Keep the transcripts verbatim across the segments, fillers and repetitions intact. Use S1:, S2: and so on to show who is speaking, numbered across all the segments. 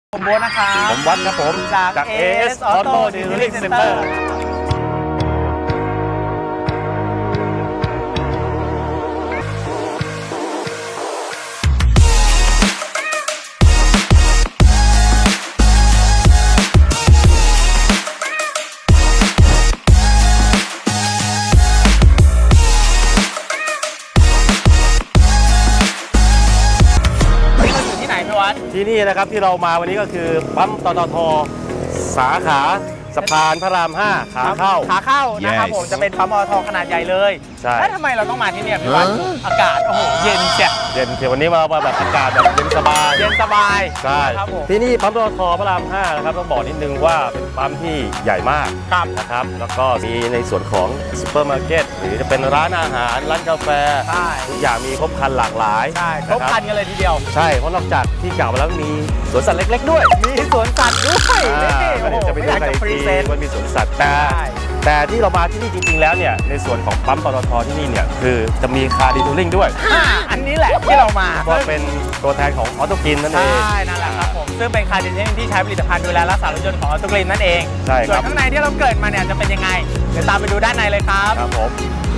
S1: ผมโบ๊ทนะครับ
S2: ผมวัดครับผม
S1: จาก เอ เอส Auto Detailing Center
S2: ที่นี่นะครับที่เรามาวันนี้ก็คือปั๊มปตท.สาขาสะพานพระรามห้าขาเข้า
S1: ขาเข้านะครับผมจะเป็นปั๊มปตท.ขนาดใหญ่เลย
S2: ใช่
S1: แล้วทำไมเราต้องมาที่นี่พี่วัดอากาศโอ้โหเย็นเชีย
S2: เย็นเชียวันนี้มาแบบอากาศแบบเย็นสบาย
S1: เย็นสบาย
S2: ใช่ครับผมที่นี่ปั๊มปตท.พระรามห้านะครับต้องบอกนิดนึงว่าเป็นปั๊มที่ใหญ่มากนะครับแล้วก็มีในส่วนของซุปเปอร์มาร์เก็ตหรือจะเป็นร้านอาหารร้านกาแฟทุกอย่างมีครบครันหลากหลาย
S1: ใช่ครบครันกันเลยทีเดียว
S2: ใช่เพราะนอกจากที่กล่าวมาแล้วมีสวนสัตว์เล็กๆด้วย
S1: มีสวนสัตว์ด้วย
S2: นี่จะไปดูกันอีกทีมันมีสวนสัตว์แต่แต่ที่เรามาที่นี่จริงๆแล้วเนี่ยในส่วนของปั๊มปตท.ที่นี่เนี่ยคือจะมีคาร์ดีทูลิ่งด้วย
S1: อันนี้แหละที่เรามา
S2: ก็เป็นตัวแทนของออโตกลินนั่นเอง
S1: ใช่นั่นแหละครับผมซึ่งเป็นคาร์ดีทูลิ่งที่ใช้ผลิตภัณฑ์ดูแลรักษารถยนต์ของออโตกลินนั่นเอง
S2: ใช่ครับ
S1: ส่วนข้างในที่เราเกิดมาเนี่ยจะเป็นยังไงเดี๋ยวตามไปดูด้านในเลยครับ
S2: ครับผม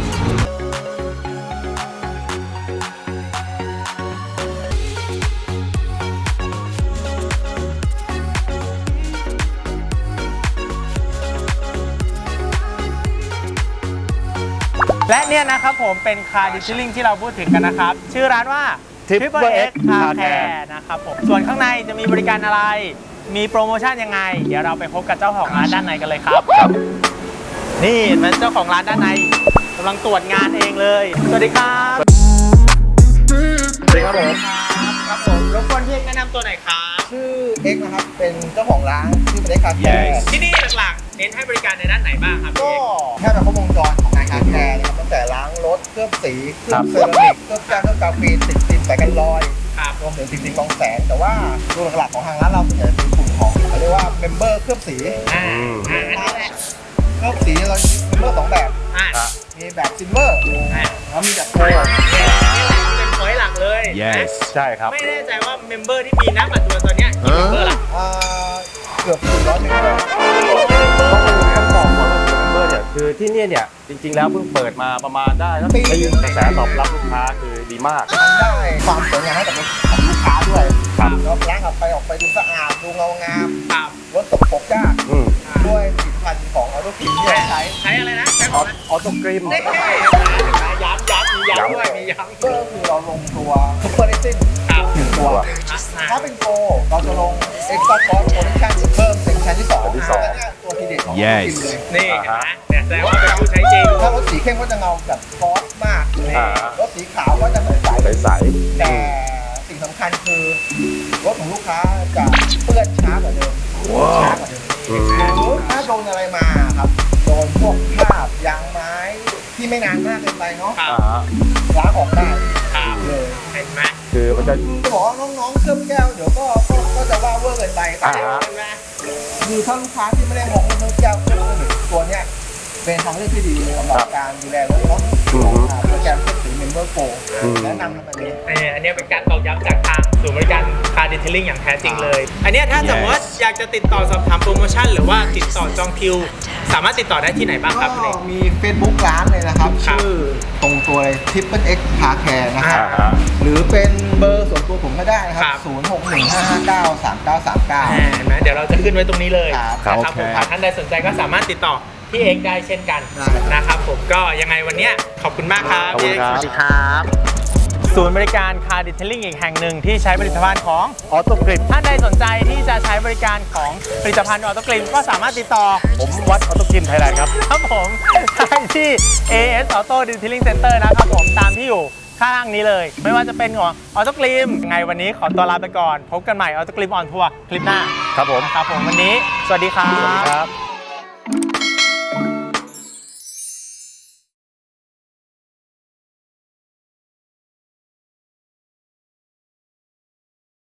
S1: และเนี่ยนะครับผมเป็นคาร์ดิทิลลิ่งที่เราพูดถึงกันนะครับชื่อร้านว่า Triple X Car Care นะครับผมส่วนข้างในจะมีบริการอะไรมีโปรโมชั่นยังไงเดี๋ยวเราไปพบกับเจ้าของร้านด้านในกันเลยครับนี่มันเจ้าของร้านด้านในกำลังตรวจงานเองเลยสวัสดีครับ
S2: สวัสดีครับผม
S1: ครับผมรบกวนพี่เอกแนะนำตัวหน่อยครับ
S3: ชื่อเอ็กนะครับเป็นเจ้าของร้านชื่อเป็นเอ็กคาแคร์
S1: ที่นี่หลักๆเน้นให้บริการในด้านไหนบ้างครับ
S3: ก็แค่แบบครบวงจรของงานคาแคร์นะครับตั้งแต่ล้างรถเคลือบสีเคลือบเซรามิกเคลือบแก้วเคลือบกาแฟติดซิมใส่กันรอยรวมถึงติดซิมกองแสงแต่ว่าตัวหลักๆของทางร้านเราจะเป็นกลุ่มของเขาเรียกว่าเมมเบอร์เคลือบสี
S1: อ่าอันนี้แหละ
S3: เคลือบสีเรามีเมมเบอร์สองแบบมีแบบซิลเวอร์แล้วมีแบบโกลด์
S1: เป็นพอยต์หลักเลย
S2: yes ใช่ครับ
S1: ไม่แน่ใจว่าเมมเบอร์ที่มีน้ำอัดตัวตอนนี้กี่เมมเบอร์ล่ะ
S3: เกือบสี่ร้อยเมมเบอร์
S2: ต้องบอกก่อนว่าเมมเบอร์เนี่ยคือที่นี่เนี่ยจริงๆแล้วเพิ่งเปิดมาประมาณได้แล้วปีนึงกระแสตอบรับลูกค้าคือดีมาก
S3: ได้ความสวยงามให้กับลูกค้าด้วยแล้วล้างออกไปออกไปดูสะอาดดูเงางามรถตกปกยากด้วยผลิตภัณฑ์ของออโตกลินที่เราใช้
S1: ใช้อะไรนะใช้
S2: ออโตกลิน
S1: ย้ำย้ำมีย้ำด้วยมีย้ำ
S3: ก็คือเราลงตัวซุปเปอร์เลสซิ่งหนึ่งตัวถ้าเป็นโกเราจะลงเอ็กซ์ตร้าฟอร์สโปรดักชั่นเพิ่มเป็นชั้นที่สองที่สองตัวทีเด็ดของออโตกลินเลย
S1: นี่นะเนี่ยแสดงว่าเป็นผู้ใช้จริง
S3: ถ้ารถสีเข้มก็จะเงาแบบฟอสมากรถสีขาวก็จะใส
S2: ใส
S3: แต่สิ่งสำคัญคือรถของลูกค้าจะเปื้อนช้ากว่าเดิมช้ากว่าเดิมถ้าโดนอะไรมาครับโดนพวกคราบยางไม้ที่ไม่นานมากเกินไปเนาะล้างออกได้เลย
S1: เห็นไหม
S2: คือมันจะ
S3: จะบอกว่าน้องๆเคลือบแก้วเดี๋ยวก็ก็จะว่าเวอร์เกินไปคือถ้าลูกค้าที่ไม่ได้มองเคลือบแก้วเคลือบสนิทตัวเนี้ยเป็นทางเลือกที่ดีสำหรับการดูแลรถเนาะโปรแกรมเคลือบสีเมมเบอร์โปรแนะนำกันเลย
S1: อันนี้เป็นการตอกย้ำจากทางศูนย์บริการคาร์ดิเทลลิ่งอย่างแท้จริงเลยอันนี้ถ้าสมมติอยากจะติดต่อสอบถามโปรโมชั่นหรือว่าติดต่อจองคิวสามารถติดต่อได้ที่ไหนบ้างครับ
S3: ก็มี Facebook ร้านเลยนะครับชื่อตรงตัวเลย Triple X Car Care นะครับหรือเป็นเบอร์ส่วนตัวผมก็ได้นะครับศูนย์ หก หนึ่ง ห้า ห้า เก้า สาม เก้า สาม เก้า
S1: เห็นไหมเดี๋ยวเราจะขึ้นไว้ตรงนี้เลยนะครับผมท่านใดสนใจก็สามารถติดต่อพี่เอกได้เช่นกันนะครับผมก็ยังไงวันนี้ขอบคุณมากครับพี่เอกสวัสดีครับศูนย์บริการคาร์ดิเทลลิ่งอีกแห่งหนึ่งที่ใช้ผลิตภัณฑ์ของ
S2: ออโตกลิน
S1: ท่านใดสนใจที่จะใช้บริการของผลิตภัณฑ์ออโตกลินก็สามารถติดต่อ
S2: ผมวัดออโตกลินไทยแลนด์ครับ
S1: ครับผมได้ที่ เอ เอส Auto Detailing Center นะครับผมตามที่อยู่ข้างนี้เลยไม่ว่าจะเป็นของออโตกลินไงวันนี้ขอตัวลาไปก่อนพบกันใหม่ออโตกลินออนทัวร์คลิปหน้า
S2: ครับผม
S1: ครับผมวันนี้สวัสดีครับ